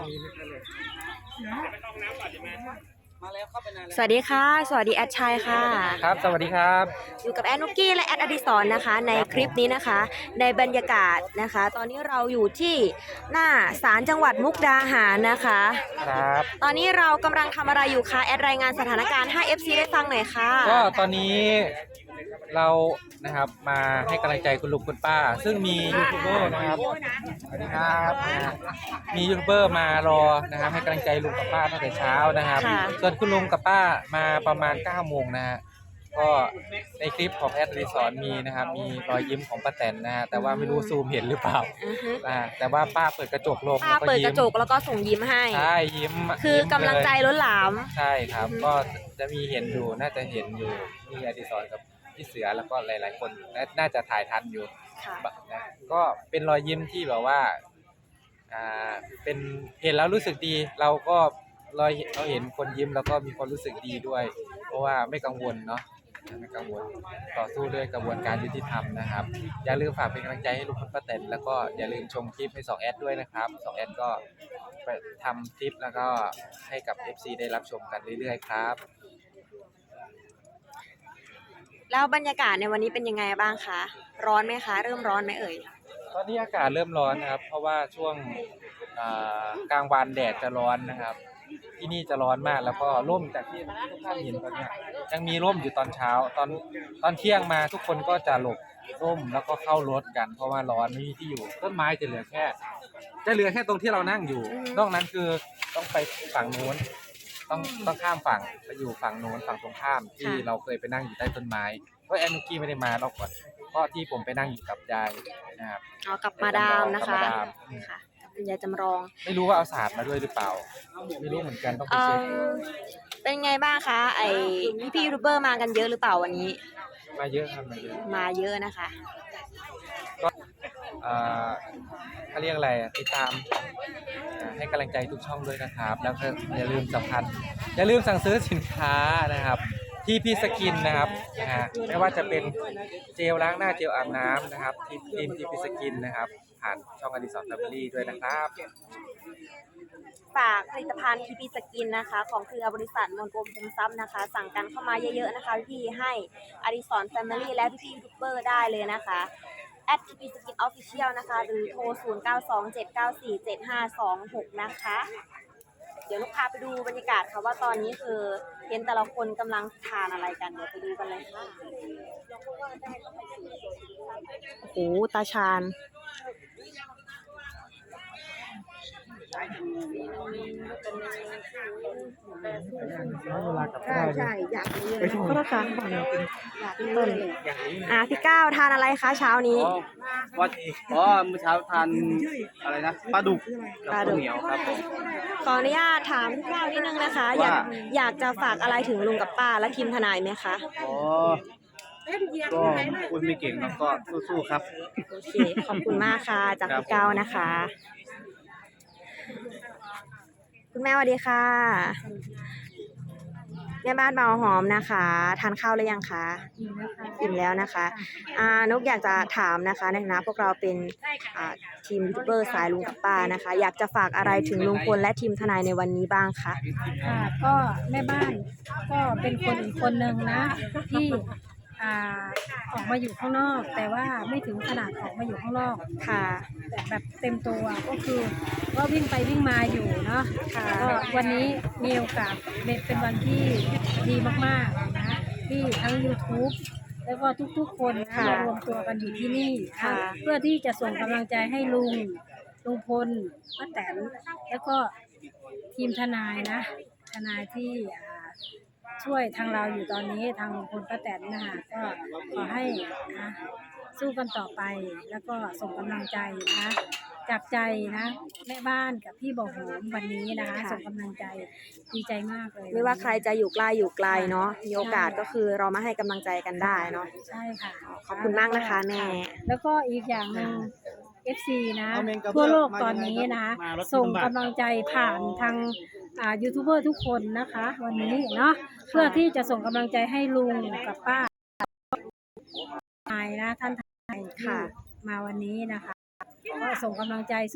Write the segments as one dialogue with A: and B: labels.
A: สวัสดีค่ะสวัสดีแอดชัยค่ะ
B: ครับสวัสดีครับ
A: อยู่กับแอดนุกกี้และแอดอดิศรนะคะในคลิปนี้นะคะในบรรยากาศนะคะตอนนี้เราอยู่ที่หน้าศาลจังหวัดมุกดาหารนะคะ
B: ครับ
A: ตอนนี้เรากำลังทำอะไรอยู่คะแอดรายงานสถานการณ์ให้ FC ได้ฟังหน่อยค่ะ
B: ก็ตอนนี้เรานะครับมาให้กำลังใจคุณลุงคุณป้าซึ่งมียูทูบเบอร์นะครับสวัสดีครับมียูทูบเบอร์มารอนะครับให้กำลังใจลุงกับป้าตั้งแต่เช้านะครับส่วนคุณลุงกับป้ามาประมาณ9 โมงนะฮะก็ในคลิปของแอดรีสอร์ทมีนะครับมีรอยยิ้มของป้าแตนนะฮะแต่ว่าไม่รู้ซูมเห็นหรือเปล่าแต่ว่าป้าเปิดกระจกลง
A: ป้าเปิดกระจกแล้วก็ส่งยิ้มให้
B: ใช่ยิ้ม
A: คือกำลังใจล้นหลาม
B: ใช่ครับก็จะมีเห็นอยู่น่าจะเห็นอยู่มีอดิศรกับพี่เสือแล้วก็หลายๆคนน่าจะถ่ายทันอยู่นะก็เป็นรอยยิ้มที่แบบว่าเป็นเห็นแล้วรู้สึกดีเราก็เราเห็นคนยิ้มแล้วก็มีความรู้สึกดีด้วยเพราะว่าไม่กังวลเนาะไม่กังวลต่อสู้ด้วยกระบวนการยุติธรรมนะครับอย่าลืมฝากเป็นกำลังใจให้ลุงพลป้าแตนแล้วก็อย่าลืมชมคลิปให้2 แอดด้วยนะครับ2 แอดก็ไปทำคลิปแล้วก็ให้กับ FC ได้รับชมกันเรื่อยๆครับ
A: แล้วบรรยากาศในวันนี้เป็นยังไงบ้างคะร้อนไหมคะเริ่มร้อนไหมเอ่ย
B: ตอนนี้อากาศเริ่มร้อนนะครับเพราะว่าช่วงกลางวันแดดจะร้อนนะครับที่นี่จะร้อนมากแล้วก็ร่มจากที่ทุกท่านเห็นตอนนี้ยังมีร่มอยู่ตอนเช้าตอนเที่ยงมาทุกคนก็จะหลบร่มแล้วก็เข้ารถกันเพราะว่าร้อนไม่มีที่อยู่ต้นไม้จะเหลือแค่ตรงที่เรานั่งอยู่นอกนั้นคือต้องไปฝั่งโน้นต้องข้ามฝั่งไปอยู่ฝั่งโน้นฝั่งตรงข้ามที่เราเคยไปนั่งอยู่ใต้ต้นไม้เพราะแอนนุกี้ไม่ได้มารอบก่อนเพราะที่ผมไปนั่งอยู่กับยายนะครับ
A: กับมาดามนะคะค่ะคุณยายจำลอง
B: ไม่รู้ว่าเอาศาสตร์มาด้วยหรือเปล่าไม่รู้เหมือนกันต้องไปเช็ค
A: เป็นไงบ้างคะพี่ยูทูบเบอร์มากันเยอะหรือเปล่าวันนี้
B: มาเยอะครับ
A: มาเยอะนะคะ
B: ก็เขาเรียกอะไรติดตามให้กำลังใจทุกช่องด้วยนะครับแล้วก็อย่าลืมสั่งซื้อสินค้านะครับที่พี่สกินนะครับไม่ว่าจะเป็นเจลล้างหน้าเจลอาบน้ำนะครับที่พี่สกินนะครับผ่านช่องอดิศรแฟมิลี่ด้วยนะครับ
A: ฝากผลิตภัณฑ์ทีพีสกินนะคะของเครือบริษัทมนกรมภูมิทรัพย์นะคะสั่งกันเข้ามาเยอะๆนะคะพี่ให้อดิศรแฟมิลี่และพี่ยูทูบเบอร์ได้เลยนะคะ@TP Skin Official นะคะหรือโทร0927947526นะคะเดี๋ยวลูกพาไปดูบรรยากาศค่ะว่าตอนนี้คือเห็นแต่ละคนกำลังทานอะไรกันเดี๋ยวไปดูกันเลยค่ะโอ้โหตาชาญใช่อยากเรียนก็ราคาต้นพี่ก้าวทานอะไรคะเช้านี้
C: เมื่อเช้าทานอะไรนะปลาดุกกับข้าวเหนียวครับผม
A: ขออนุญาตถามพี่ก้าวนิดนึงนะคะอยากจะฝากอะไรถึงลุงกับป้าและทีมทนายไหมคะ
C: ก็คุณไม่เก่งครับก็สู้ๆครับ
A: โอเคขอบคุณมากค่ะจากพี่ก้าวนะคะคุณแม่สวัสดีค่ะแม่บ้านเบาหอมนะคะทานข้าวหรือยังคะอิ่มแล้วนะคะนกอยากจะถามนะคะในฐานะพวกเราเป็นทีมยูทูบเบอร์สายลุงกับป้านะคะอยากจะฝากอะไรถึงลุงพลและทีมทนายในวันนี้บ้างคะ
D: ก็แม่บ้านก็เป็นคนอีกคนหนึ่งนะที่ออกมาอยู่ข้างนอกแต่ว่าไม่ถึงขนาดออกมาอยู่ข้างนอก
A: ค่ะ
D: แบบเต็มตัวก็คือก็วิ่งไปวิ่งมาอยู่เนาะก็วันนี้มีโอกาสเป็นวันที่ดีมากๆนะที่ทั้ง YouTube แล้วก็ทุกๆคนนะรวมตัวกันอยู่ที่นี่เพื่อที่จะส่งกำลังใจให้ลุงพลป้าแตนแล้วก็ทีมทนายนะทนายที่ช่วยทางเราอยู่ตอนนี้ทางลุงพลป้าแตนนะคะก็ขอให้สู้กันต่อไปแล้วก็ส่งกำลังใจนะจากใจนะแม่บ้านกับพี่บ่อหอมวันนี้นะคะส่งกำลังใจดีใจมากเลย
A: ไม่ว่าใครจะอยู่ใกล้อยู่ไกลเนาะมีโอกาสก็คือเรามาให้กำลังใจกันได้เนาะ
D: ใช่ค่ะ
A: ขอบคุณมากนะคะแม่
D: แล้วก็อีกอย่างหนึ่ง FC นะทั่วโลกตอนนี้นะส่งกำลังใจผ่านทางยูทูบเบอร์ทุกคนนะคะวันนี้เนาะเพื่อที่จะส่งกำลังใจให้ลุงกับป้าทนายนะท่านทนายค่ะมาวันนี้นะคะก็ส่งกำลังใจสู้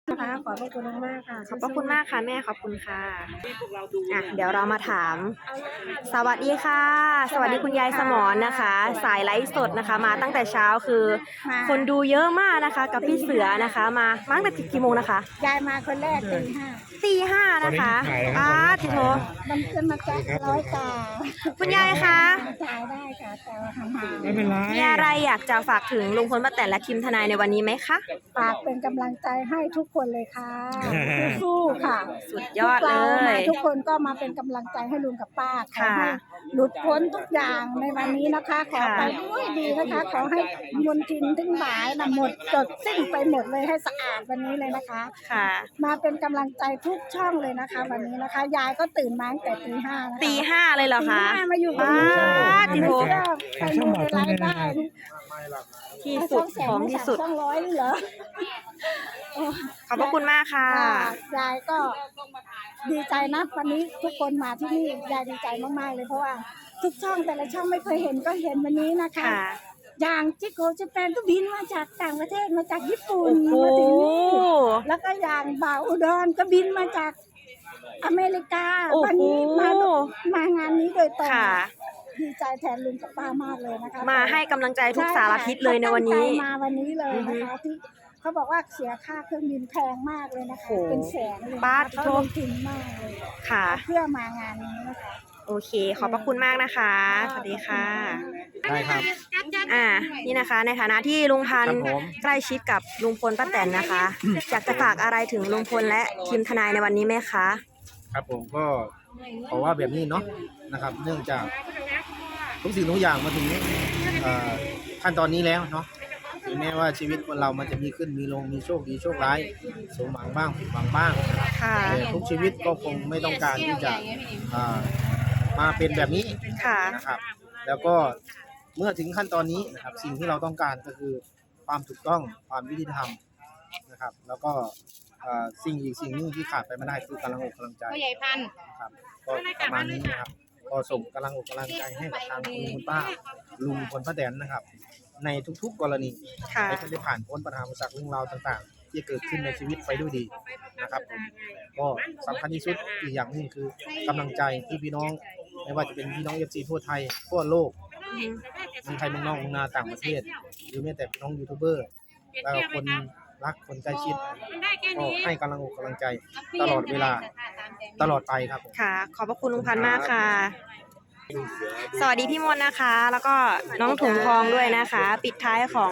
D: นะคะขอบพระคุณมากๆค่ะ
A: ขอบพระคุณมากค่ะแม่ขอบคุณค่ะเดี๋ยวเรามาถาม สวัสดีค่ะ สวัสดีคุณยายสมรนะคะ สายไลฟ์สดนะคะ มาตั้งแต่เช้าคือ คนดูเยอะมากนะคะ กับพี่เสือนะคะมาตั้งแต่กี่โมงนะคะ
E: ยายมาคนแรกตี
A: ตี 5นะคะจิโท
E: มันขึ้นมาจาก100 กา
A: คุณยายคะ
E: จ่ายได้ค่ะแต่ว่าห่าง
C: ไม่เป็นไร
A: มีอะไรอยากจะฝากถึงลุงพลป้าแตนและทีมทนายในวันนี้ไหมคะ
E: ๆฝากเป็นกำลังใจให้ทุกคนเลยค่ะสู้ๆค่ะ
A: สุดยอดเล
E: พวกราย ทุกคนก็มาเป็นกำลังใจให้ลุงกับป้าขอ
A: ค่ะ
E: ให้หลุดพ้นทุกอย่างในวันนี้นะคะ ขอไปด้วยดีนะคะ ขอให้มลทินทั้งหลายนะหมดจดสิ้นไปหมดเลยให้สะอาดวันนี้เลยนะคะ
A: ค่ะ
E: มาเป็นกำลังใจทุกช่องเลยนะคะ วันนี้นะคะ ยายก็ตื่นมาตั้งแต่ตี 5นะคะ
A: ตี 5เลยเหรอ
E: ตี
A: คะ
E: 5มาอยู่ตรงนี้
A: จิโท
E: ใครดูในไลฟ์ได้
A: ที่สุดของที่สุด
E: 200นี่เหรอ
A: ขอบพระคุณมากค่ะ
E: ยายก็ดีใจนะวันนี้ทุกคนมาที่นี่ยายดีใจมากๆเลยเพราะว่าทุกช่องแต่ละช่องไม่เคยเห็นก็เห็นวันนี้นะคะ
A: ค่ะ
E: อย่างจิโกเจแปนก็บินมาจากต่างประเทศมาจากญี่ปุ่น
A: โอ้
E: มา
A: โห
E: ถึงนี่แล้วก็อย่างบ่าวอุดรก็บินมาจากอเมริกา
A: โอ้โห
E: วันนี้มางานนี้โดยตรง
A: ค่ะ
E: ดีใจแทนลุงกับป้ามากเลยนะคะ
A: มาให้กำลังใจทุกสารทิศเลยในวันนี้
E: เขาตั้งใจมาวันนี้เลยนะคะที่เขาบอกว่าเสียค่าเครื่องบินแพงมากเลยนะคะ
A: โอ้โห
E: เป็นแสนเลยนะคะ
A: บาท
E: เขาลงทุนมากเลย
A: ค่ะ
E: เพื่อมางานนี้นะคะ
A: โอเค ขอบพระคุณมากนะคะ สวัสดีค่ะ
C: ได้ครับ
A: นี่นะคะ ในฐานะที่ลุงพัน
C: ครั
A: ธ์
C: บผม
A: ใกล้ชิดกับลุงพลป้าแตนนะคะ อยากจะฝากอะไรถึงลุงพลและทีมทนายในวันนี้ไหมคะ
F: ครับผมก็ขอว่าแบบนี้เนาะนะครับ เนื่องจากทุกสิ่งทุกอย่างมาถึงขั้นตอนนี้แล้วเนาะถึงแม้ว่าชีวิตคนเรามันจะมีขึ้นมีลงมีโชคดีโชคร้ายสมหวังบ้างผิดหวังบ้าง
A: ค่ะ
F: แต่ทุกชีวิตก็คงไม่ต้องการที่จะมาเป็นแบบนี้
A: ค่ะ
F: นะครับ แล้วก็เมื่อถึงขั้นตอนนี้นะครับสิ่งที่เราต้องการก็คือความถูกต้องความยุติธรรมนะครับ แล้วก็สิ่งอีกสิ่งหนึงที่ขาดไปไม่ได้คือกำลังอกกำลังใจ
G: ผู้ใหญ่พันธุ์
F: ครับก็ประมาณนี้นะครับก็ส่งกำลังอกกำลังใจให้กับทางคุณป้าลุงพลป้าแตนนะครับ ในทุกๆกรณี
A: ค่ะ
F: ให้ท่านได้ผ่านพ้นปัญหาอุปสรรคเรื่องราวต่างๆ ที่เกิดขึ้นในชีวิตไปด้วยดีนะครับผมก็สำคัญที่สุดอีกอย่างหนึงคือกำลังใจที่พี่น้องไม่ว่าจะเป็นพี่น้องเอฟซีทั่วไทยทั่วโลกเมืองไทยเมืองนอกเมืองนาต่างประเทศ หรือแม้แต่พี่น้องยูทูบเบอร์แล้วก็คนรักคนใกล้ชิดก็ให้กำลังอกกำลังใจตลอดเวลาตลอดไปครับผม
A: ค่ะ ขอบพระคุณลุงพันธ์มากค่ะ สวัสดีพี่มนต์นะคะ แล้วก็น้องถุงทองด้วยนะคะ ปิดท้ายของ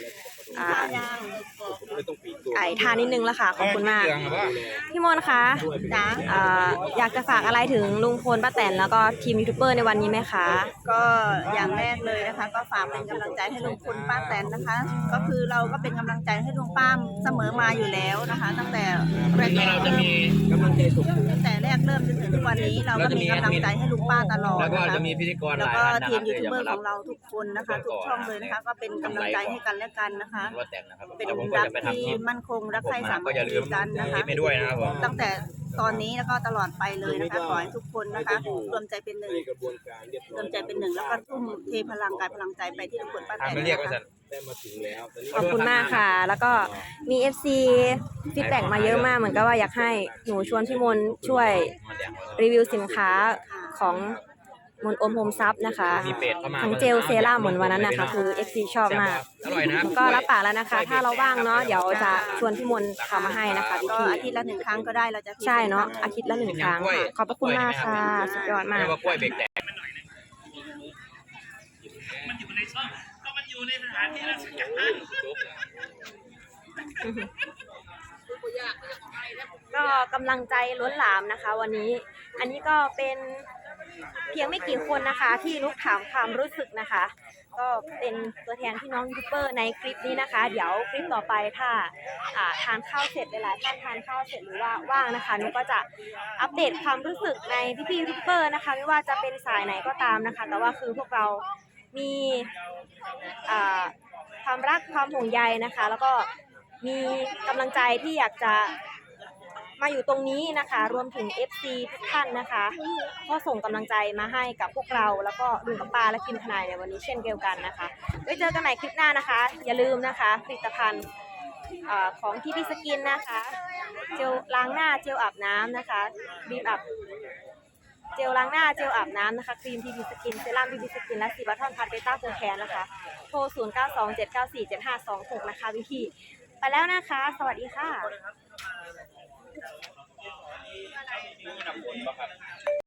A: ไอ้ทานนิดนึงแล้วค่ะ ขอบคุณมาก พี่มนต์คะอยากจะฝากอะไรถึงลุงพลป้าแตนแล้วก็ทีมยูทูบเบอร์ในวันนี้ไหมคะ
H: ก็อย่างแรกเลยนะคะ ก็ฝากเป็นกำลังใจให้ลุงพลป้าแตนนะคะ ก็คือเราก็เป็นกำลังใจให้ลุงป้าเสมอมาอยู่แล้วนะคะ ตั้งแต่แรก
C: เราจะมีกำลังใจสูง
H: ตั้งแต่แรกเริ่มจนถึงทุกวันนี้ เราก็มีกำลังใจให้ลุงป้าตลอด
C: แล้วก็
H: นะคะ
C: จะมีพิธีกรห
H: แล้ว
C: ลาย
H: ก็
C: ท่านนะ
H: ที
C: ครั
H: ม
C: บ
H: ยูทูบเบอร์
C: ที่จะมารั
H: ข
C: บ
H: องเราทุกคนนะคะ ทุกช่องเลยนะคะ ก็เป็นกำลังใจให้กันและกันนะคะ
C: รถแต่งนะครับ
H: เป็น
C: เดี๋ยวผมก็
H: รัก
C: จะไปทำค
H: ที่
C: ลิป
H: มั่นคงรักใครสามั
C: ก็
H: ค
C: อย่าลื
H: คี
C: ม
H: กันนะคะ
C: ไปด้วยนะครับผม
H: ตั้งแต่ตอนนี้แล้วก็ตลอดไปเลยนะคะขอให้ทุกคนนะคะรวมใจเป็นหนึ่งรวมใจเป็นหนึ่งแล้วก็ทุ่มเทพลังกายพลังใจไปที่ลุงพลป้าแต
C: ทาง
H: น
C: ไม่เรียกว่า
H: นะคะ
C: สันได้มาถึงแล้วตอนนี้
A: ขอบคุณมากค่ะ แล้วก็มี FC ฟีดแบ็กมาเยอะมากเหมือนกับว่าอยากให้หนูชวนพี่มนต์ช่วยรีวิวสินค้าของมนต์อมโฮมซับนะคะ
C: มีเป็ดเข้ามา
A: ทั้งเจลเซรั่มเหมือนวันนั้นนะคะคือ FC ชอบมาก
C: อร่อยนะ
A: ก็รับปากแล้วนะคะ ถ้าเราว่างเนาะเดี๋ยวจะชวนพี่มนต์ทำมาให้นะคะพี่
H: ก็
A: พี่
H: อาทิตย์ละ1 ครั้งก็ได้เราจะ
A: ใช่เนาะอาทิตย์ละ1 ครั้งค่ะขอบพระคุณมากค่ะ สุดยอดมาก
C: เรียกว่ากล้วยเบรกแตก
A: ก็กำลังใจล้นหลามนะคะ วันนี้ อันนี้ก็เป็นเพียงไม่กี่คนนะคะ ที่ลุกถามความรู้สึกนะคะ ก็เป็นตัวแทนพี่น้องยูทูบเบอร์ในคลิปนี้นะคะ เดี๋ยวคลิปต่อไปถ้าทานข้าวเสร็จหลายๆท่านทานข้าวเสร็จหรือว่าว่างนะคะนุก็จะอัปเดตความรู้สึกในพี่ๆยูทูบเบอร์นะคะ ไม่ว่าจะเป็นสายไหนก็ตามนะคะ แต่ว่าคือพวกเรามีความรักความห่วงใยนะคะ แล้วก็มีกำลังใจที่อยากจะมาอยู่ตรงนี้นะคะ รวมถึง FC ทุกท่านนะคะก็ส่งกำลังใจมาให้กับพวกเราแล้วก็ลุงกับป้าและทีมทนายในวันนี้เช่นเดียวกันนะคะไว้เจอกันใหม่คลิปหน้านะคะ อย่าลืมนะคะผลิตภัณฑ์ของทีพีสกินนะคะเจลล้างหน้าเจลอาบน้ำนะคะบีมอับเจลล้างหน้าเจลอาบน้ำนะคะครีมทีพีสกินเซรั่มทีพีสกินและซีบัตทอนพัดเบต้าโคแคนนะคะโทร0927947526นะคะพี่ๆไปแล้วนะคะ สวัสดีค่ะ